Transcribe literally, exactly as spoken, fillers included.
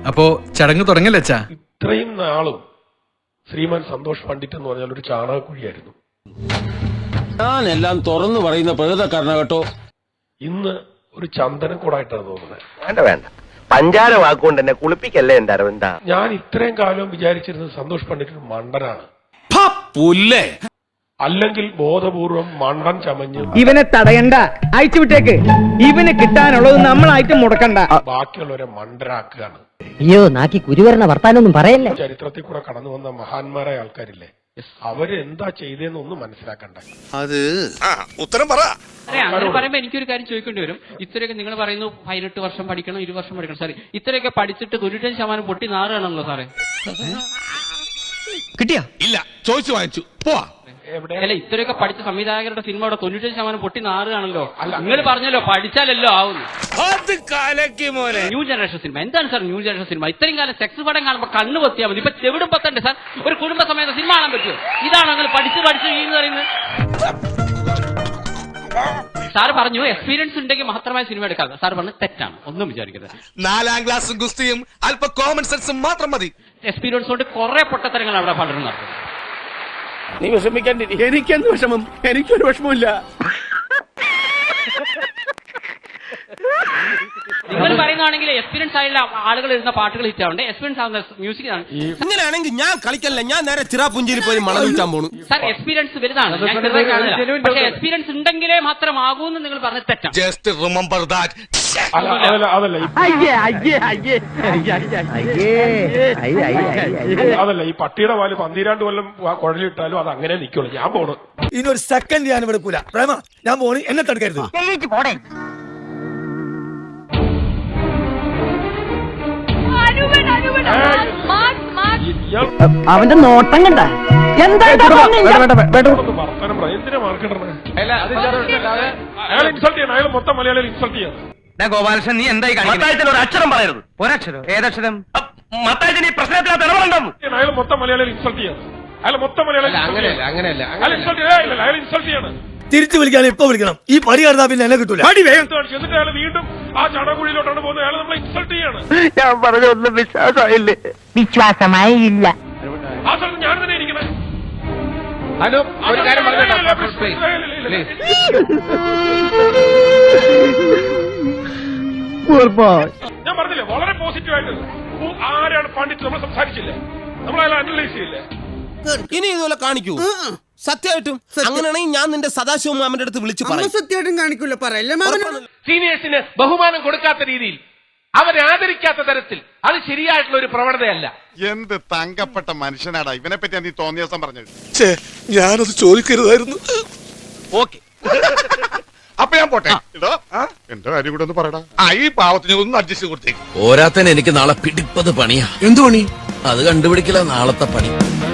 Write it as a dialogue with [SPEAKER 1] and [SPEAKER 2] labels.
[SPEAKER 1] അപ്പോ ചടങ്ങ് തുടങ്ങല്ലേ അച്ഛാ?
[SPEAKER 2] ഇത്രയും നാളും ശ്രീമാൻ സന്തോഷ് പണ്ഡിറ്റ് എന്ന് പറഞ്ഞാൽ ഒരു ചാണകക്കുഴിയായിരുന്നു.
[SPEAKER 3] ഞാൻ എല്ലാം തുറന്നു പറയുന്ന പ്രകൃതക്കാരന കേട്ടോ.
[SPEAKER 2] ഇന്ന് ഒരു ചന്ദനക്കൂടായിട്ടാണ് തോന്നുന്നത്.
[SPEAKER 4] വേണ്ട വേണ്ട, പഞ്ചാര വാക്കുകൊണ്ട് എന്നെ കുളിപ്പിക്കല്ലേ എന്റെ അരവിന്ദ.
[SPEAKER 2] ഞാൻ ഇത്രയും കാലം വിചാരിച്ചിരുന്നത് സന്തോഷ് പണ്ഡിറ്റ് ഒരു മണ്ടനാണ്,
[SPEAKER 3] പുല്ലേ,
[SPEAKER 2] അല്ലെങ്കിൽ ബോധപൂർവം മണ്ടൻ ചമഞ്ഞ്
[SPEAKER 5] ഇവനെ തടയണ്ട, അയച്ചുവിട്ടേക്ക്. ഇവന് കിട്ടാനുള്ളത് നമ്മളായിട്ട് മുടക്കണ്ട.
[SPEAKER 2] ബാക്കിയുള്ളവരെ മണ്ടരാക്കുകയാണ്.
[SPEAKER 6] അയ്യോ, നാക്കി കുരുവരണ വർത്താനൊന്നും പറയല്ലേ.
[SPEAKER 2] ചരിത്രത്തിൽ കൂടെ കടന്നു വന്ന മഹാന്മാരായ ആൾക്കാരില്ലേ, അവര് എന്താ ചെയ്തതെന്ന് ഒന്നും മനസ്സിലാക്കണ്ട.
[SPEAKER 7] അത് ഉത്തരം പറ.
[SPEAKER 8] അങ്ങനെ പറയുമ്പോ എനിക്കൊരു കാര്യം ചോദിക്കേണ്ടി വരും. ഇത്രയൊക്കെ നിങ്ങൾ പറയുന്നു പതിനെട്ട് വർഷം പഠിക്കണം, ഇരു വർഷം പഠിക്കണം. സാറേ, ഇത്രയൊക്കെ പഠിച്ചിട്ട് തൊണ്ണൂറ്റഞ്ച് ശതമാനം പൊട്ടി നാറുകയാണല്ലോ സാറേ.
[SPEAKER 7] കിട്ടിയാ? ഇല്ല, ചോദിച്ചു വാങ്ങിച്ചു പോവാ.
[SPEAKER 8] അല്ല, ഇത്രയൊക്കെ പഠിച്ച സംവിധായകരുടെ സിനിമയുടെ തൊണ്ണൂറ്റഞ്ച് ശതമാനം പൊട്ടി നാറുകയാണല്ലോ. നിങ്ങൾ പറഞ്ഞല്ലോ പഠിച്ചാലല്ലോ ആവുന്നു. ന്യൂ ജനറേഷൻ സിനിമ എന്താണ് സാർ? ന്യൂ ജനറേഷൻ സിനിമ ഇത്രയും കാലം സെക്സ് പടം കാണുമ്പോൾ കണ്ണു പൊത്തിയാൽ മതി. ഇപ്പൊ ചെവിടും പത്തണ്ട് സാർ. ഒരു കുടുംബ സമയത്ത് സിനിമ കാണാൻ പറ്റുമോ? ഇതാണോ നിങ്ങൾ പഠിച്ച് പഠിച്ച് എന്ന് പറയുന്നത്? സാർ പറഞ്ഞു എക്സ്പീരിയൻസ് ഉണ്ടെങ്കിൽ മാത്രമായി സിനിമ എടുക്കാം. സാർ പറഞ്ഞു തെറ്റാണ്, ഒന്നും വിചാരിക്കരുത്.
[SPEAKER 7] നാലാം ക്ലാസ്സും ഗുസ്തിയും അല്പ കോമൺ സെൻസും മാത്രം മതി.
[SPEAKER 8] എക്സ്പീരിയൻസ് കൊണ്ട് കുറെ പൊട്ടത്തരങ്ങൾ അവിടെ പലരും നടത്തും.
[SPEAKER 3] നീ വിഷമിക്കാൻ. എനിക്കെന്ത് വിഷമം? എനിക്കൊരു വിഷമമില്ല.
[SPEAKER 8] നിങ്ങൾ പറയുന്നതാണെങ്കിൽ എക്സ്പീരിയൻസ് ആയുള്ള ആളുകൾ എഴുതുന്ന പാട്ടുകൾ ഹിറ്റ് ആവണ്ടേ? എക്സ്പീരിയൻസ് ആവുന്ന മ്യൂസിക് ആണ്.
[SPEAKER 3] അങ്ങനെയാണെങ്കിൽ ഞാൻ കളിക്കല്ല, ഞാൻ നേരെ ചിറാപുഞ്ചിയിൽ പോയി മണം വിൽക്കാൻ പോണു.
[SPEAKER 8] സാർ, എക്സ്പീരിയൻസ് വലുതാണ്, പക്ഷേ എക്സ്പീരിയൻസ് ഉണ്ടെങ്കിലേ മാത്രമാകൂ എന്ന് നിങ്ങൾ പറഞ്ഞ തെറ്റാണ്.
[SPEAKER 7] Just remember that.
[SPEAKER 2] അതല്ല അതല്ല അതല്ല ഈ പട്ടിയുടെ പാല് പന്തിരാണ്ട് കൊല്ലം കുഴലിട്ടാലും അത് അങ്ങനെ നിൽക്കുള്ളൂ. ഞാൻ പോണു.
[SPEAKER 9] ഇനി ഒരു സെക്കൻഡ് ഞാൻ എടുക്കൂല. പ്രേമ, ഞാൻ പോണി, എന്നെ തടുക്കരുത്.
[SPEAKER 6] അവന്റെ നോട്ടം കണ്ട എന്താ
[SPEAKER 2] വർത്തനം പറ. എന്തിനാ മാർക്കിടണേ? അയാൾ ഇൻസൾട്ട് ചെയ്യണം. അയാൾ മൊത്തം മലയാളികൾ ഇൻസൾട്ട് ചെയ്യണം.
[SPEAKER 4] ഗോപാലകൃഷ്ണൻ, നീ എന്തായി കാണിക്കുന്നത്? ഒരു അക്ഷരം പറയരുത്. ഒരക്ഷരം? ഏതക്ഷരം? മത്തായി നീ പ്രശ്നത്തിനകത്ത് ഇടപെടണ്ടെന്ന്.
[SPEAKER 2] അയാൾ മൊത്തം മലയാളികൾ ഇൻസൾട്ട് ചെയ്യണം. അയാൾ മൊത്തം മലയാളികൾ
[SPEAKER 3] അങ്ങനെയല്ല, അങ്ങനെയല്ല.
[SPEAKER 2] അയാൾ ഇൻസൾട്ട് ചെയ്യണം. അയാൾ ഇൻസൾട്ട് ചെയ്യണം.
[SPEAKER 9] തിരിച്ചു വിളിക്കാൻ ഇപ്പൊ വിളിക്കണം. ഈ പടി കടന്നാ പിന്നെ എന്നെ കിട്ടൂല.
[SPEAKER 2] എന്നിട്ട് അയാൾ വീണ്ടും ആ ചടകുഴിയിലോട്ടാണ് പോകുന്നത്. അയാൾ നമ്മളെ ഇൻസൾട്ട് ചെയ്യാണ്.
[SPEAKER 4] ഞാൻ പറഞ്ഞൊന്നും വിശ്വാസമായില്ലേ?
[SPEAKER 6] വിശ്വാസമായി ഇല്ല.
[SPEAKER 2] ആ സ്ഥലത്ത് ഞാൻ തന്നെ ഇരിക്കണേ.
[SPEAKER 3] ഒരു കാര്യം പറഞ്ഞോട്ടെ.
[SPEAKER 2] ഞാൻ പറഞ്ഞില്ലേ വളരെ പോസിറ്റീവ് ആയിട്ട് ആരാണ് പണ്ഡിറ്റ് നമ്മൾ സംസാരിച്ചില്ലേ, നമ്മൾ അയാൾ അനലൈസ് ചെയ്യില്ലേ.
[SPEAKER 3] ഇനി ഇതുപോലെ കാണിക്കൂ സത്യമായിട്ടും. അങ്ങനെയാണെങ്കിൽ ഞാൻ നിന്റെ സദാശിവ മാമന്റെ അടുത്ത് വിളിച്ചു പറയും.
[SPEAKER 5] സത്യമായിട്ടും കാണിക്കൂല, പറയല്ലേ മാമൻ.
[SPEAKER 10] സീനിയേഴ്സിന് ബഹുമാനം കൊടുക്കാത്ത രീതിയിൽ, അവരെ ആദരിക്കാത്ത തരത്തിൽ, അത് ശരിയായിട്ടുള്ള ഒരു പ്രവണതയല്ല.
[SPEAKER 7] എന്ത് തങ്കപ്പെട്ട മനുഷ്യനാടാ ഇവനെ പറ്റി നീ തോന്നിയ ദിവസം പറഞ്ഞത്.
[SPEAKER 9] ഞാനത് ചോദിക്കരുതായിരുന്നു.
[SPEAKER 7] ഓക്കെ, അപ്പൊ ഞാൻ പോട്ടെ. എന്റെ കാര്യം കൂടെ ഒന്ന് പറയടാ. ആ, ഈ പാവത്തിന് ഒന്ന് അഡ്ജസ്റ്റ് കൊടുത്തേക്ക്.
[SPEAKER 11] ഓരാത്തൻ എനിക്ക് നാളെ പിടിപ്പത് പണിയാ. എന്തു പണി? അത് കണ്ടുപിടിക്കില്ല നാളത്തെ പണി.